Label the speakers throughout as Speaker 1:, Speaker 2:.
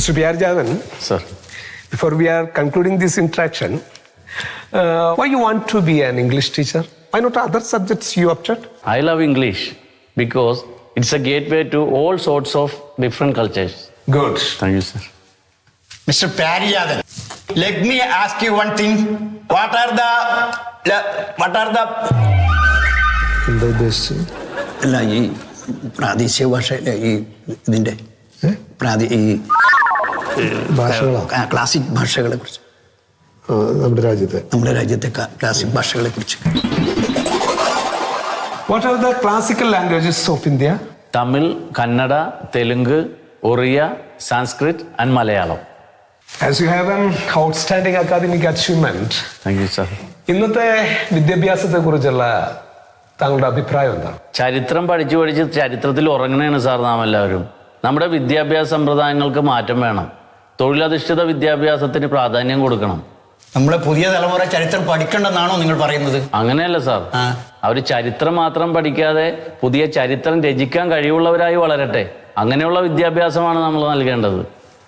Speaker 1: Mr. P.R. Javan,
Speaker 2: Sir.
Speaker 1: before we are concluding this interaction, why you want to be an English teacher? Why not other subjects you opted?
Speaker 2: I love English because it's a gateway to all sorts of different cultures.
Speaker 1: Good.
Speaker 2: Thank you, sir.
Speaker 3: Mr. Pariyadan, let me ask you one thing. What are the
Speaker 1: എന്താ ഉദ്ദേശിച്ചത്?
Speaker 3: അല്ല ഈ പ്രാദേശിക ഭാഷയിലെ ഈ ഇതിന്റെ
Speaker 1: ഭാഷകളോ?
Speaker 3: Classic ഭാഷകളെ കുറിച്ച്,
Speaker 1: നമ്മുടെ രാജ്യത്തെ
Speaker 3: ക്ലാസിക് ഭാഷകളെ കുറിച്ച്.
Speaker 1: What are the classical languages of India?
Speaker 2: Tamil, Kannada, Telugu, Oriya, Sanskrit and Malayalam.
Speaker 1: As you have an outstanding academic achievement,
Speaker 2: Thank you, sir.
Speaker 1: ഇന്നത്തെ വിദ്യാഭ്യാസത്തെ കുറിച്ചുള്ള താങ്കളുടെ അഭിപ്രായം എന്താണ്?
Speaker 2: ചരിത്രം പഠിച്ച് ചരിത്രത്തിൽ ഉറങ്ങണേണ് സാർ നാം എല്ലാവരും. നമ്മുടെ വിദ്യാഭ്യാസ സമ്പ്രദായങ്ങൾക്ക് മാറ്റം വേണം. തൊഴിലധിഷ്ഠിത വിദ്യാഭ്യാസത്തിന് പ്രാധാന്യം കൊടുക്കണം.
Speaker 3: നമ്മളെ പുതിയ തലമുറ ചരിത്രം പഠിക്കണ്ടെന്നാണോ നിങ്ങൾ പറയുന്നത്?
Speaker 2: അങ്ങനെയല്ല സാർ. അവർ ചരിത്രം മാത്രം പഠിക്കാതെ പുതിയ ചരിത്രം രചിക്കാൻ കഴിവുള്ളവരായി വളരട്ടെ. അങ്ങനെയുള്ള വിദ്യാഭ്യാസമാണ് നമ്മൾ നൽകേണ്ടത്.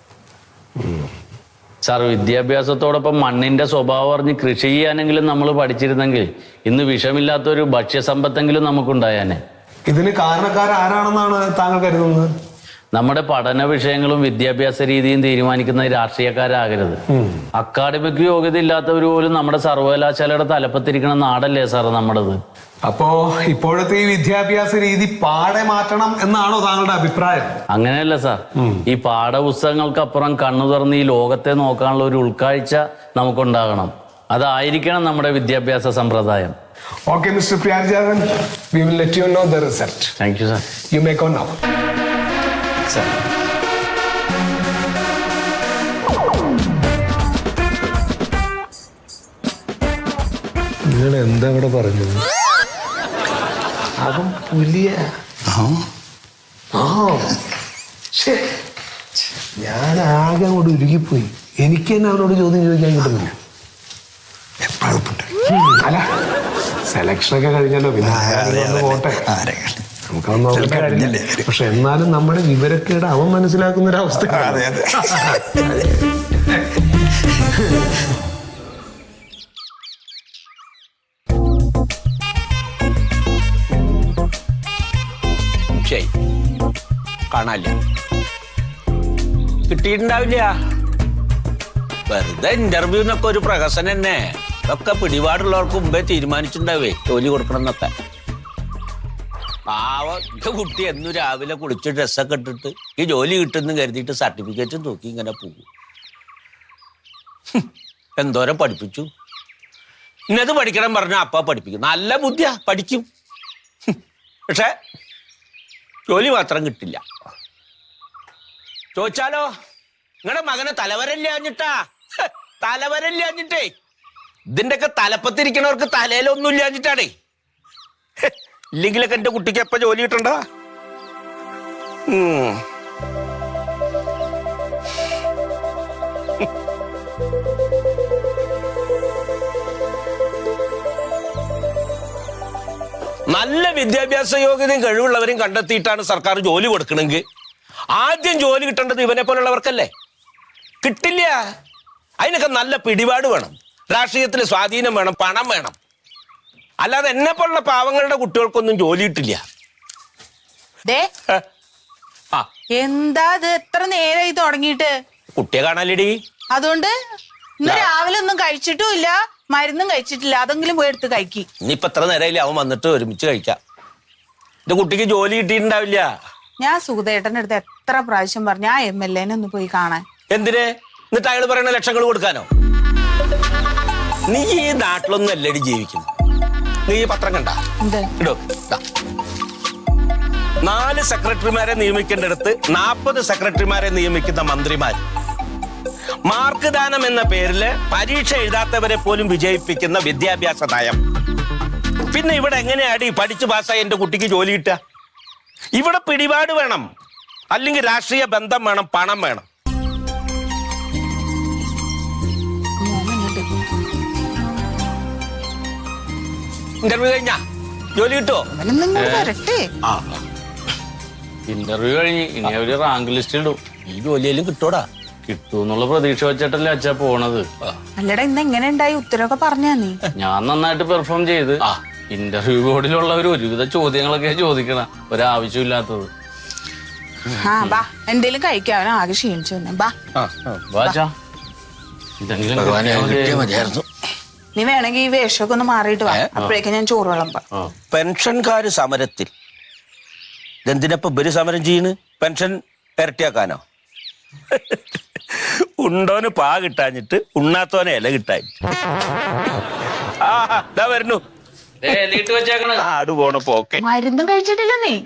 Speaker 2: സാർ, വിദ്യാഭ്യാസത്തോടൊപ്പം മണ്ണിന്റെ സ്വഭാവം അറിഞ്ഞ് കൃഷി ചെയ്യാനെങ്കിലും നമ്മൾ പഠിച്ചിരുന്നെങ്കിൽ ഇന്ന് വിഷമില്ലാത്തൊരു ഭക്ഷ്യസമ്പത്തെങ്കിലും നമുക്കുണ്ടായാനെ.
Speaker 1: ഇതിന് കാരണക്കാരാരാണെന്നാണ് താങ്കൾ കരുതുന്നത്?
Speaker 2: നമ്മുടെ പഠന വിഷയങ്ങളും വിദ്യാഭ്യാസ രീതിയും തീരുമാനിക്കുന്ന രാഷ്ട്രീയക്കാരാകരുത്. അക്കാഡമിക് യോഗ്യത ഇല്ലാത്തവർ പോലും നമ്മുടെ സർവകലാശാലയുടെ തലപ്പത്തിരിക്കുന്ന നാടല്ലേ സാർ നമ്മുടേത്.
Speaker 1: അപ്പോ ഇപ്പോഴത്തെ ഈ വിദ്യാഭ്യാസ രീതി പാടെ മാറ്റണം എന്നാണോ താങ്കളുടെ അഭിപ്രായം?
Speaker 2: അങ്ങനെയല്ല സാർ. ഈ പാഠപുസ്തകങ്ങൾക്കപ്പുറം കണ്ണു തുറന്ന് ഈ ലോകത്തെ നോക്കാനുള്ള ഒരു ഉൾക്കാഴ്ച നമുക്കുണ്ടാകണം. അതായിരിക്കണം നമ്മുടെ വിദ്യാഭ്യാസ സമ്പ്രദായം.
Speaker 1: Okay, Mr. Priyajavan, we will let you know the result.
Speaker 2: Thank you, sir.
Speaker 1: You may go now.
Speaker 2: Sir.
Speaker 1: നിങ്ങൾ എന്താ ഇവിടെ പറഞ്ഞത്? അവൻ പുലിയ. ഞാൻ ആകെ അങ്ങോട്ട് ഉരുകിപ്പോയി. എനിക്ക് തന്നെ അവനോട് ചോദ്യം ചോദിക്കാൻ കിട്ടുന്നില്ല. അല്ല, സെലക്ഷനൊക്കെ കഴിഞ്ഞല്ലോ, പിന്നെ പോട്ടെ, നമുക്കൊന്നും നോക്കട്ടെ. പക്ഷെ എന്നാലും നമ്മുടെ വിവരക്കേട് അവൻ മനസ്സിലാക്കുന്ന ഒരവസ്ഥ.
Speaker 4: കാണാല്ല, കിട്ടിയിട്ടുണ്ടാവില്ല. വെറുതെ ഇന്റർവ്യൂ എന്നൊക്കെ ഒരു പ്രഹസനം തന്നെ. ഇതൊക്കെ പിടിപാടുള്ളവർക്ക് മുമ്പേ തീരുമാനിച്ചിട്ടുണ്ടാവേ ജോലി കൊടുക്കണം എന്നൊക്കെ. പാവം എന്റെ കുട്ടി എന്നും രാവിലെ കുളിച്ച് ഡ്രസ്സൊക്കെ ഇട്ടിട്ട് ഈ ജോലി കിട്ടുമെന്ന് കരുതിയിട്ട് സർട്ടിഫിക്കറ്റും തൂക്കി ഇങ്ങനെ പോകും. എന്തോരം പഠിപ്പിച്ചു. ഇന്നത് പഠിക്കണം പറഞ്ഞാൽ അപ്പ പഠിപ്പിക്കും. നല്ല ബുദ്ധിയാ, പഠിക്കും. പക്ഷെ ജോലി മാത്രം കിട്ടില്ല. ചോദിച്ചാലോ, നിങ്ങളുടെ മകനെ തലവരല്ലാഞ്ഞിട്ടാ. തലവരല്ലാഞ്ഞിട്ടേ. ഇതിന്റെയൊക്കെ തലപ്പത്തിരിക്കണവർക്ക് തലയിലൊന്നും ഇല്ലാഞ്ഞിട്ടാണേ. ഇല്ലെങ്കിലൊക്കെ എന്റെ കുട്ടിക്ക് എപ്പ ജോലി കിട്ടണ്ട. നല്ല വിദ്യാഭ്യാസ യോഗ്യതയും കഴിവുള്ളവരെയും കണ്ടെത്തിയിട്ടാണ് സർക്കാർ ജോലി കൊടുക്കണമെങ്കിൽ ആദ്യം ജോലി കിട്ടേണ്ടത് ഇവനെ പോലുള്ളവർക്കല്ലേ. കിട്ടില്ല. അതിനൊക്കെ നല്ല പിടിപാട് വേണം, രാഷ്ട്രീയത്തിൽ സ്വാധീനം വേണം, പണം വേണം. അല്ലാതെ എന്നെ പോലുള്ള പാവങ്ങളുടെ കുട്ടികൾക്കൊന്നും ജോലി കിട്ടില്ല.
Speaker 5: എന്താ ഇത് എത്ര നേരം ഇത് തുടങ്ങിയിട്ട്?
Speaker 4: കുട്ടിയെ കാണാലേടി.
Speaker 5: അതുകൊണ്ട് ഇന്ന് രാവിലെ ഒന്നും കഴിച്ചിട്ടുമില്ല, മരുന്നും കഴിച്ചിട്ടില്ല. അതെങ്കിലും പോയി എടുത്ത് കഴിക്കി.
Speaker 4: ഇനിയിപ്പൊ എത്ര നേരമില്ല, അവൻ വന്നിട്ട് ഒരുമിച്ച് കഴിക്കാം. എന്റെ കുട്ടിക്ക് ജോലി കിട്ടിയിട്ടുണ്ടാവില്ല.
Speaker 5: ഞാൻ സുഖദേട്ടന്റെ അടുത്ത് എത്ര പ്രാവശ്യം പറഞ്ഞു ആ MLA ഒന്ന് പോയി കാണാൻ.
Speaker 4: എന്തിന്? എന്നിട്ട് അയാൾ പറയുന്ന ലക്ഷങ്ങൾ കൊടുക്കാനോ? നീ ഈ നാട്ടിലൊന്നും അല്ലടി ജീവിക്കുന്നു. നീ ഈ പത്രം കണ്ട ഇടോ. 4 സെക്രട്ടറിമാരെ നിയമിക്കേണ്ടടുത്ത് 40 സെക്രട്ടറിമാരെ നിയമിക്കുന്ന മന്ത്രിമാർ. മാർക്ക് ദാനം എന്ന പേരില് പരീക്ഷ എഴുതാത്തവരെ പോലും വിജയിപ്പിക്കുന്ന വിദ്യാഭ്യാസ നയം. പിന്നെ ഇവിടെ എങ്ങനെയാടി പഠിച്ചു പാസ്സായി എന്റെ കുട്ടിക്ക് ജോലി കിട്ടുക? ഇവിടെ പിടിപാട് വേണം, അല്ലെങ്കിൽ രാഷ്ട്രീയ ബന്ധം വേണം, പണം വേണം. ഇന്റർവ്യൂ കഴിഞ്ഞാ ജോലി കിട്ടുമോ?
Speaker 2: ഇന്റർവ്യൂ കഴിഞ്ഞ് ഇനി അവര് റാങ്ക് ലിസ്റ്റ് ഇടും.
Speaker 4: ഈ ജോലിയിലും കിട്ടോടാ.
Speaker 2: കിട്ടൂന്നുള്ള പ്രതീക്ഷ വെച്ചിട്ടല്ലേ അച്ഛാ പോണത്.
Speaker 5: അല്ലടാ ഇന്ന് എങ്ങനെ ഉണ്ടായി ഉത്തരവൊക്കെ പറഞ്ഞാ നീ?
Speaker 2: ഞാൻ നന്നായിട്ട് പെർഫോം ചെയ്ത് ഇന്റർവ്യൂ ബോർഡിലുള്ളവർ ഒരുവിധ ചോദ്യങ്ങളൊക്കെ ചോദിക്കണ ഒരാവശ്യമില്ലാത്തത്.
Speaker 5: ആ ബാ എന്തേലും കഴിക്കാൻ, അവൻ ആകെ ക്ഷീണിച്ചു വന്നെ. ബാ
Speaker 2: വാച്ചാ ഇതെങ്കിലും
Speaker 5: നീ വേണമെങ്കിൽ ഈ വേഷമൊക്കെ ഒന്ന് മാറിയിട്ട് വാ, അപ്പോഴേക്കും ഞാൻ ചോറ് വിളമ്പാം.
Speaker 4: പെൻഷൻകാര് സമരത്തിൽ ഇതെന്തിനപ്പം ഇവര് സമരം ചെയ്യണ്? പെൻഷൻ ഇരട്ടിയാക്കാനോ? ഉണ്ടോന് പാ കിട്ടാഞ്ഞിട്ട് ഉണ്ണാത്തോനെ ഇല കിട്ടാൻ. ആ വരുന്നു ആട് പോണ പോക്കെ.
Speaker 5: മരുന്നും കഴിച്ചിട്ടില്ല നീ?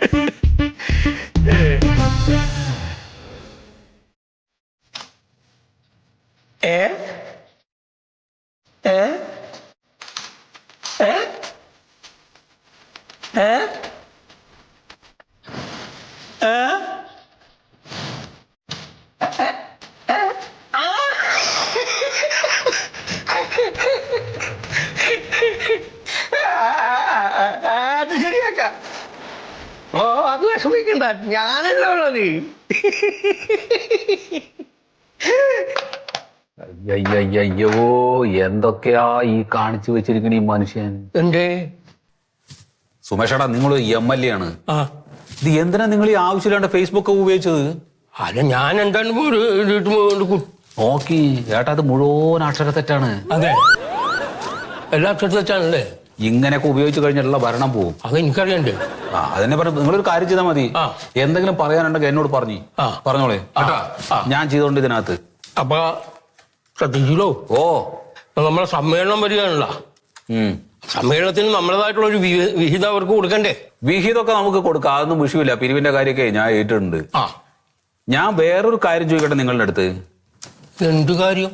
Speaker 6: അത് ശരിയാക്കാം. ഓ അത് വിഷമിക്കണ്ട, ഞാനല്ലോ ഉള്ളത്.
Speaker 7: അയ്യോ എന്തൊക്കെയാ ഈ കാണിച്ചു വെച്ചിരിക്കണ ഈ മനുഷ്യൻ.
Speaker 6: എന്തേ
Speaker 7: സുമേഷേടാ, നിങ്ങൾ MLA ആണ്. ഇത് എന്തിനാ നിങ്ങൾ ഈ ആവശ്യമില്ലാണ്ട് ഫേസ്ബുക്ക് ഉപയോഗിച്ചത്?
Speaker 6: അല്ല ഞാൻ എന്താണ്
Speaker 7: നോക്കി ഏട്ടാ, അത് മുഴുവൻ അക്ഷരത്തെറ്റാണ്.
Speaker 6: അതെ, എല്ലാ അക്ഷരത്തെറ്റാണല്ലേ.
Speaker 7: ഇങ്ങനെയൊക്കെ ഉപയോഗിച്ചു കഴിഞ്ഞാലുള്ള ഭരണം പോവും.
Speaker 6: അത് എനിക്കറിയണ്ടേ.
Speaker 7: അതിനെ പറഞ്ഞു. നിങ്ങളൊരു കാര്യം ചെയ്താൽ മതി. എന്തെങ്കിലും പറയാനുണ്ടെങ്കിൽ എന്നോട് പറഞ്ഞോളേ. ഞാൻ ചെയ്തോണ്ട് ഇതിനകത്ത്.
Speaker 6: അപ്പൊ ശ്രദ്ധിച്ചല്ലോ.
Speaker 7: ഓ
Speaker 6: നമ്മളെ സമ്മേളനം വരികയാണല്ലോ. സമ്മേളനത്തിന് നമ്മളതായിട്ടുള്ള ഒരു വിഹിതം അവർക്ക് കൊടുക്കണ്ടേ?
Speaker 7: വിഹിതമൊക്കെ നമുക്ക് കൊടുക്കാം, അതൊന്നും വിഷയമില്ല. പിരിവിന്റെ കാര്യമൊക്കെ ഞാൻ ഏറ്റിട്ടുണ്ട്. ഞാൻ വേറൊരു കാര്യം ചോദിക്കട്ടെ നിങ്ങളുടെ അടുത്ത്.
Speaker 6: എന്ത് കാര്യം?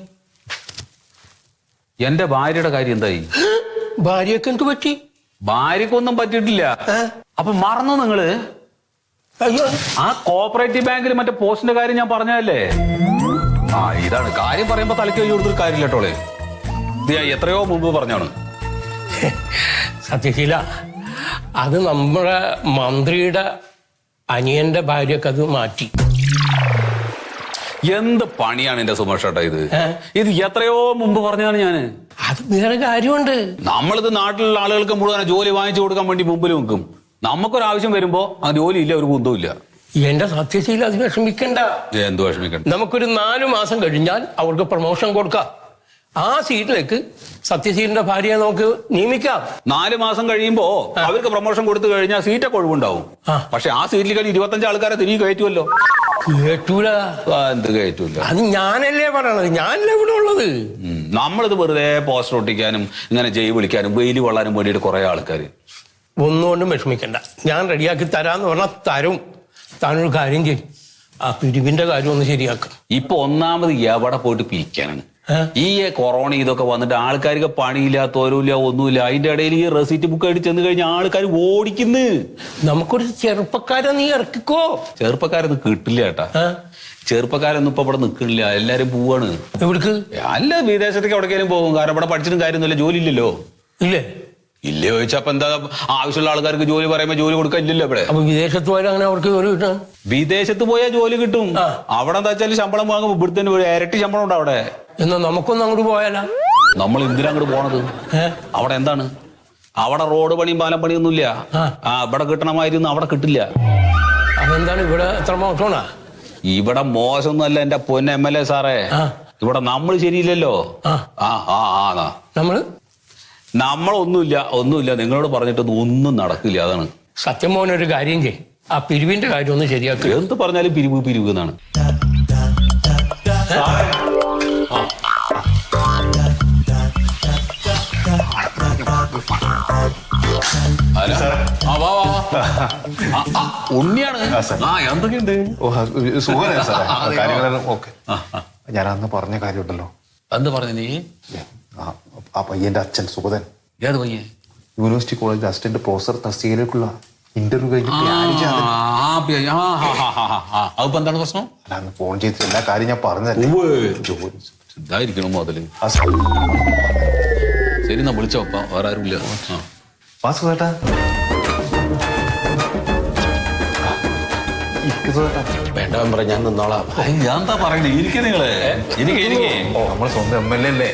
Speaker 7: എന്റെ ഭാര്യയുടെ കാര്യം എന്തായി?
Speaker 6: ഭാര്യയൊക്കെ എന്ത് പറ്റി?
Speaker 7: ഭാര്യക്കൊന്നും പറ്റിയിട്ടില്ല. അപ്പൊ മറന്നു നിങ്ങള്?
Speaker 6: അയ്യോ,
Speaker 7: ആ കോപ്പറേറ്റീവ് ബാങ്കിൽ മറ്റേ പോസ്റ്റിന്റെ കാര്യം ഞാൻ പറഞ്ഞതല്ലേ? ഇതാണ് കാര്യം. പറയുമ്പോ തലയ്ക്ക് കഴിഞ്ഞു കൊടുത്തൊരു കാര്യമില്ല കേട്ടോളെ. ഇത് ഞാൻ എത്രയോ മുമ്പ് പറഞ്ഞാണ്.
Speaker 6: സത്യശീല, അത് നമ്മുടെ മന്ത്രിയുടെ അനിയന്റെ ഭാര്യക്ക് അത് മാറ്റി.
Speaker 7: എന്ത് പണിയാണ് എന്റെ സുമേഷേട്ടാ ഇത്? ഇത് എത്രയോ മുമ്പ് പറഞ്ഞാണ് ഞാന്.
Speaker 6: അത് വേറെ കാര്യമുണ്ട്.
Speaker 7: നമ്മളിത് നാട്ടിലുള്ള ആളുകൾക്ക് മുഴുവൻ ജോലി വാങ്ങിച്ചു കൊടുക്കാൻ വേണ്ടി മുമ്പിൽ നിൽക്കും. നമുക്കൊരാവശ്യം വരുമ്പോ ആ ജോലി ഇല്ല, ഒരു കുന്തവും ഇല്ല.
Speaker 6: എന്റെ സത്യശീല, അത് വിഷമിക്കണ്ട.
Speaker 7: എന്ത് വിഷമിക്കണ്ട?
Speaker 6: നമുക്കൊരു 4 മാസം കഴിഞ്ഞാൽ അവർക്ക് പ്രൊമോഷൻ കൊടുക്കാം. ആ സീറ്റിലേക്ക് സത്യശീലിന്റെ ഭാര്യയെ നമുക്ക് നിയമിക്കാം.
Speaker 7: 4 മാസം കഴിയുമ്പോ അവർക്ക് പ്രൊമോഷൻ കൊടുത്തു കഴിഞ്ഞാൽ സീറ്റൊക്കെ ഒഴിവുണ്ടാവും. പക്ഷെ ആ സീറ്റിൽ കഴിഞ്ഞ് 25 ആൾക്കാരെ തിരികെ കയറ്റുമല്ലോ.
Speaker 6: കേട്ടൂല.
Speaker 7: എന്ത് കയറ്റൂല?
Speaker 6: അത് ഞാനല്ലേ പറയണത്, ഞാനല്ലേ ഇവിടെ ഉള്ളത്.
Speaker 7: നമ്മളിത് വെറുതെ പോസ്റ്റർ ഒട്ടിക്കാനും ഇങ്ങനെ ജയ് വിളിക്കാനും വെയിൽ കൊള്ളാനും വേണ്ടിയിട്ട് കുറെ ആൾക്കാര്.
Speaker 6: ഒന്നുകൊണ്ടും വിഷമിക്കണ്ട, ഞാൻ റെഡിയാക്കി തരാന്ന് പറഞ്ഞാൽ തരും. താനൊരു കാര്യം ചെയ്യും, ആ പിരിവിന്റെ കാര്യം ഒന്ന് ശരിയാക്കും.
Speaker 7: ഇപ്പൊ ഒന്നാമത് എവിടെ പോയിട്ട് പിരിക്കാനാണ്? ഈ കൊറോണ ഇതൊക്കെ വന്നിട്ട് ആൾക്കാർക്ക് പണിയില്ലാത്തവരുമില്ല, ഒന്നുമില്ല. അതിന്റെ ഇടയിൽ ഈ റെസിറ്റ് ബുക്ക് ആയിട്ട് ചെന്ന് കഴിഞ്ഞാൽ ആൾക്കാർ ഓടിക്കുന്നു.
Speaker 6: നമുക്കൊരു ചെറുപ്പക്കാരെ നീ ഇറക്കിക്കോ.
Speaker 7: ചെറുപ്പക്കാരൊന്നും കിട്ടില്ല ചേട്ടാ. ചെറുപ്പക്കാരൊന്നും ഇപ്പൊ ഇവിടെ നിൽക്കണില്ല, എല്ലാരും പോവാണ്.
Speaker 6: എവിടേക്ക്?
Speaker 7: അല്ല, വിദേശത്തേക്ക് എവിടേക്കാലും പോകും. കാരണം ഇവിടെ പഠിച്ചിട്ടും കാര്യമൊന്നുമില്ല, ജോലി ഇല്ലല്ലോ.
Speaker 6: ഇല്ലേ?
Speaker 7: ഇല്ലേ ചോദിച്ചപ്പോ എന്താ, ആവശ്യമുള്ള ആൾക്കാർക്ക് ജോലി പറയുമ്പോ ജോലി കൊടുക്കാൻ ഇല്ലല്ലോ ഇവിടെ.
Speaker 6: അപ്പൊ വിദേശത്ത് പോയാൽ അങ്ങനെ അവർക്ക് ജോലി കിട്ടാൻ?
Speaker 7: വിദേശത്ത് പോയാൽ ജോലി കിട്ടും. അവിടെ എന്താ വെച്ചാൽ ശമ്പളം വാങ്ങുമ്പോ ഇവിടുത്തെ ഇരട്ടി ശമ്പളം ഉണ്ട് അവിടെ.
Speaker 6: എന്നാ നമുക്കൊന്നും അങ്ങോട്ട് പോയാലാ?
Speaker 7: നമ്മൾ എന്തിനാ അങ്ങോട്ട് പോണത്? അവിടെ എന്താണ്? അവിടെ റോഡ് പണിയും പാലം പണിയൊന്നുമില്ല. ഇവിടെ കിട്ടണമായിരുന്നു അവിടെ കിട്ടില്ല.
Speaker 6: അതെന്താണ്? ഇവിടെ എത്ര മോശമാണോ?
Speaker 7: ഇവിടെ മോശമൊന്നുമല്ല എന്റെ പൊന്ന MLA സാറേ. ഇവിടെ നമ്മൾ ശരിയില്ലല്ലോ. നമ്മളൊന്നുമില്ല. നിങ്ങളോട് പറഞ്ഞിട്ടൊന്നും ഒന്നും നടക്കില്ല. അതാണ്
Speaker 6: സത്യം. മോനൊരു കാര്യം ചെയ്യും, ആ പിരിവിന്റെ കാര്യം ഒന്ന് ശരിയാക്കുക.
Speaker 7: എന്ത് പറഞ്ഞാലും പിരിവ് എന്നാണ്. ഉണ്ണിയാണ്. എന്തൊക്കെയുണ്ട്?
Speaker 1: ഞാൻ അന്ന് പറഞ്ഞ കാര്യമുണ്ടല്ലോ.
Speaker 7: എന്ത് പറഞ്ഞു നീ?
Speaker 1: ആ പയ്യന്റെ അച്ഛൻ സുഗതൻ.
Speaker 7: ഏത് പയ്യൻ?
Speaker 1: യൂണിവേഴ്സിറ്റി കോളേജിൽ അസിസ്റ്റന്റ് പ്രൊഫസർ തസ്തികയിലേക്കുള്ള ഇന്റർവ്യൂ കഴിഞ്ഞ്
Speaker 7: അതിപ്പോ എന്താണ് പ്രശ്നം?
Speaker 1: അന്ന് ഫോൺ ചെയ്തിട്ട് എല്ലാ കാര്യം ഞാൻ പറഞ്ഞതല്ലേ.
Speaker 7: ഇതായിരിക്കണം മുതല്. ശരി, എന്നാ വിളിച്ചോ. വേറെ ആരുമില്ല.
Speaker 3: വേണ്ട മെമ്പറെ, ഞാൻ നിന്നോളാം.
Speaker 7: ഞാൻ എന്താ പറയണേ, ഇരിക്കേ നിങ്ങള്, ഇരിക്കേ.
Speaker 1: നമ്മൾ സ്വന്തം MLA അല്ലേ?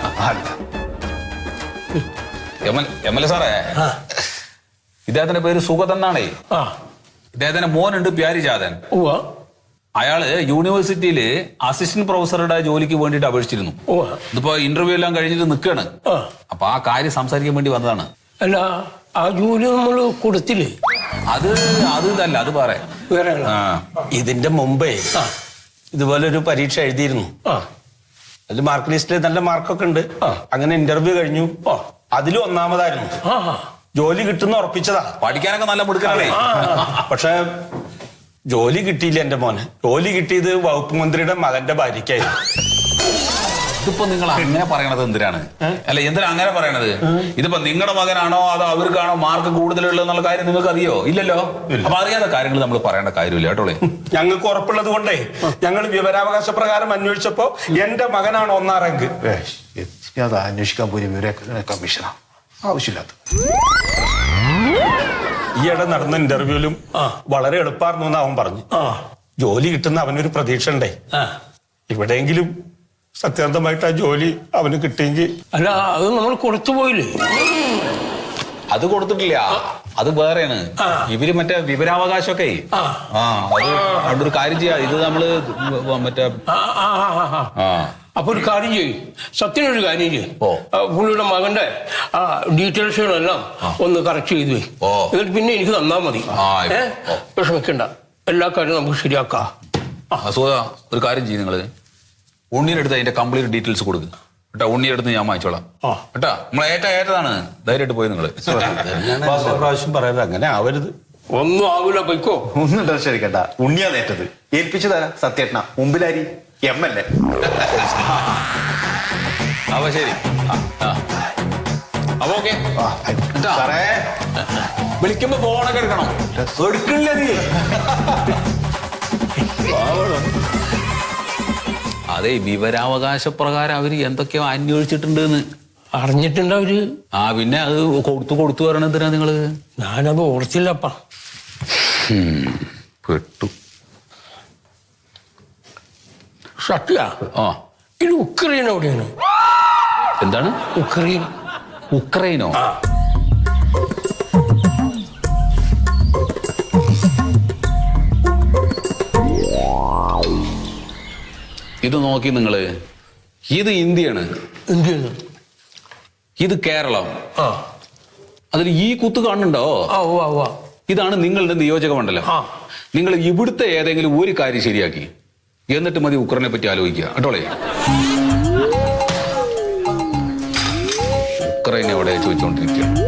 Speaker 7: MLA സാറേ, ഇദ്ദേഹത്തിന്റെ പേര് സുഗത് എന്നാണേ.
Speaker 6: ആ
Speaker 7: ഇദ്ദേഹത്തിന്റെ മോനുണ്ട് പ്യാരിജാതൻ.
Speaker 6: ഉവ്വ
Speaker 7: അയാള് യൂണിവേഴ്സിറ്റിയില് അസിസ്റ്റന്റ് പ്രൊഫസറുടെ ജോലിക്ക് വേണ്ടിയിട്ട് അപേക്ഷിച്ചിരുന്നു.
Speaker 6: ഉവ്വ.
Speaker 7: ഇതിപ്പോ ഇന്റർവ്യൂ എല്ലാം കഴിഞ്ഞിട്ട് നിൽക്കാണ്.
Speaker 6: ആ.
Speaker 7: അപ്പൊ ആ കാര്യം സംസാരിക്കാൻ വേണ്ടി വന്നതാണ്.
Speaker 6: അല്ല, ആ ജോലി നമ്മൾ കൊടുത്തില്ലേ?
Speaker 7: അത് ഇതല്ല, അത് പറയാം.
Speaker 6: വേറെ
Speaker 3: ഇതിന്റെ മുമ്പേ
Speaker 6: ആ.
Speaker 3: ഇതുപോലെ ഒരു പരീക്ഷ എഴുതിയിരുന്നു.
Speaker 6: ആ
Speaker 3: അതിൽ മാർക്ക് ലിസ്റ്റിൽ നല്ല മാർക്കൊക്കെ ഉണ്ട്. അങ്ങനെ ഇന്റർവ്യൂ കഴിഞ്ഞു. അതിലും ഒന്നാമതായിരുന്നു.
Speaker 6: ആ
Speaker 3: ജോലി കിട്ടുന്ന ഉറപ്പിച്ചതാ.
Speaker 7: പഠിക്കാനൊക്കെ നല്ല മിടുക്കണേ.
Speaker 3: പക്ഷെ ജോലി കിട്ടിയില്ല എന്റെ മോനെ. ജോലി കിട്ടിയത് വകുപ്പ് മന്ത്രിയുടെ മകന്റെ ഭാര്യയ്ക്കായിരുന്നു.
Speaker 7: ഇതിപ്പോ നിങ്ങൾ അങ്ങനെ പറയണത് എന്തിനാണ്? അല്ല, എന്തിനാ അങ്ങനെ പറയണത്? ഇതിപ്പോ നിങ്ങളുടെ മകനാണോ അതോ അവർക്കാണോ മാർക്ക് കൂടുതലുള്ളത് എന്നുള്ള കാര്യം നിങ്ങൾക്ക് അറിയോ? ഇല്ലല്ലോ. അപ്പൊ അറിയാത്ത കാര്യങ്ങൾ നമ്മൾ പറയേണ്ട കാര്യമില്ല കേട്ടോളേ.
Speaker 3: ഞങ്ങൾക്ക് ഉറപ്പുള്ളത് കൊണ്ടേ ഞങ്ങൾ വിവരാവകാശ പ്രകാരം അന്വേഷിച്ചപ്പോ എന്റെ മകനാണ് 1ാം റാങ്ക്.
Speaker 1: അത് അന്വേഷിക്കാൻ പോയി വിവര കമ്മീഷനാ, ആവശ്യമില്ലാത്ത.
Speaker 3: ഈയിടെ നടന്ന ഇന്റർവ്യൂലും വളരെ എളുപ്പമായിരുന്നു എന്ന് അവൻ പറഞ്ഞു. ജോലി കിട്ടുന്ന അവനൊരു പ്രതീക്ഷ ഉണ്ടേ. എവിടെയെങ്കിലും സത്യസന്ധമായിട്ട് ആ ജോലി അവന് കിട്ടിയെങ്കിൽ.
Speaker 6: അല്ല, അത് നമ്മൾ കൊടുത്തു പോയില്ലേ?
Speaker 7: അത് കൊടുത്തിട്ടില്ല, അത് വേറെയാണ്. ഇവര് മറ്റേ വിവരാവകാശമൊക്കെ. അത് അവിടെ ഒരു കാര്യം ചെയ്യാം. ഇത് നമ്മള് മറ്റേ
Speaker 6: അപ്പൊ ഒരു കാര്യം ചെയ്യും, സത്യനൊരു കാര്യം ചെയ്യും. പുള്ളിയുടെ മകന്റെ ഡീറ്റെയിൽസുകളെല്ലാം ഒന്ന് കറക്റ്റ് ചെയ്തു പോയി. എന്നിട്ട് പിന്നെ എനിക്ക് തന്നാ മതി. വിഷമിക്കണ്ട, എല്ലാ കാര്യവും നമുക്ക് ശരിയാക്കാം.
Speaker 7: ഒരു കാര്യം ചെയ്യും, നിങ്ങള് ഉണ്ണിയെടുത്ത് അതിന്റെ കംപ്ലീറ്റ് ഡീറ്റെയിൽസ് കൊടുക്കുക കേട്ടോ. ഉണ്ണിയെടുത്ത് ഞാൻ വാങ്ങിച്ചോളാം കേട്ടാ. നമ്മൾ ഏറ്റതാണ്, ധൈര്യമായിട്ട് പോയി നിങ്ങള്.
Speaker 3: പ്രാവശ്യം പറയരുത്, അങ്ങനെ ആവരുത്.
Speaker 6: ഒന്നും ആവൂല, പൊയ്ക്കോ.
Speaker 8: ഒന്നും ടെൻഷനിക്കണ്ട, ഉണ്ണിയാ നേറ്റത്. ഏൽപ്പിച്ചു തരാം സത്യേട്ടന. മുമ്പിലാരി MLA.
Speaker 7: അപ്പൊ ശരി. അപ്പൊ ഓക്കെ. വിളിക്കുമ്പോ ഫോണൊക്കെ എടുക്കണം. എടുക്കില്ല നീ. അതെ, വിവരാവകാശ പ്രകാരം അവര് എന്തൊക്കെയോ അന്വേഷിച്ചിട്ടുണ്ട്
Speaker 6: അറിഞ്ഞിട്ടുണ്ട് അവര്.
Speaker 7: പിന്നെ അത് കൊടുത്തു പറയണെന്തിനാ നിങ്ങള്?
Speaker 6: ഞാനത് ഓർത്തില്ലപ്പാ.
Speaker 7: പെട്ടു.
Speaker 6: സത്യ, ഇത് ഉക്രൈൻ എവിടെയാണ്?
Speaker 7: എന്താണ്
Speaker 6: ഉക്രൈൻ?
Speaker 7: ഉക്രൈനോ? ഇത് നോക്കി നിങ്ങള്, ഇത് ഇന്ത്യയാണ്.
Speaker 6: ഇന്ത്യയാണ്.
Speaker 7: ഇത് കേരളം. അതിൽ ഈ കുത്ത് കാണുന്നുണ്ടോ? ഇതാണ് നിങ്ങളുടെ നിയോജക മണ്ഡലം. നിങ്ങൾ ഇവിടുത്തെ ഏതെങ്കിലും ഒരു കാര്യം ശരിയാക്കി എന്നിട്ട് മതി ഉക്രൈനെ പറ്റി ആലോചിക്കുക കേട്ടോളേ. ഉക്രൈൻ എവിടെ ചോദിച്ചുകൊണ്ടിരിക്കുക.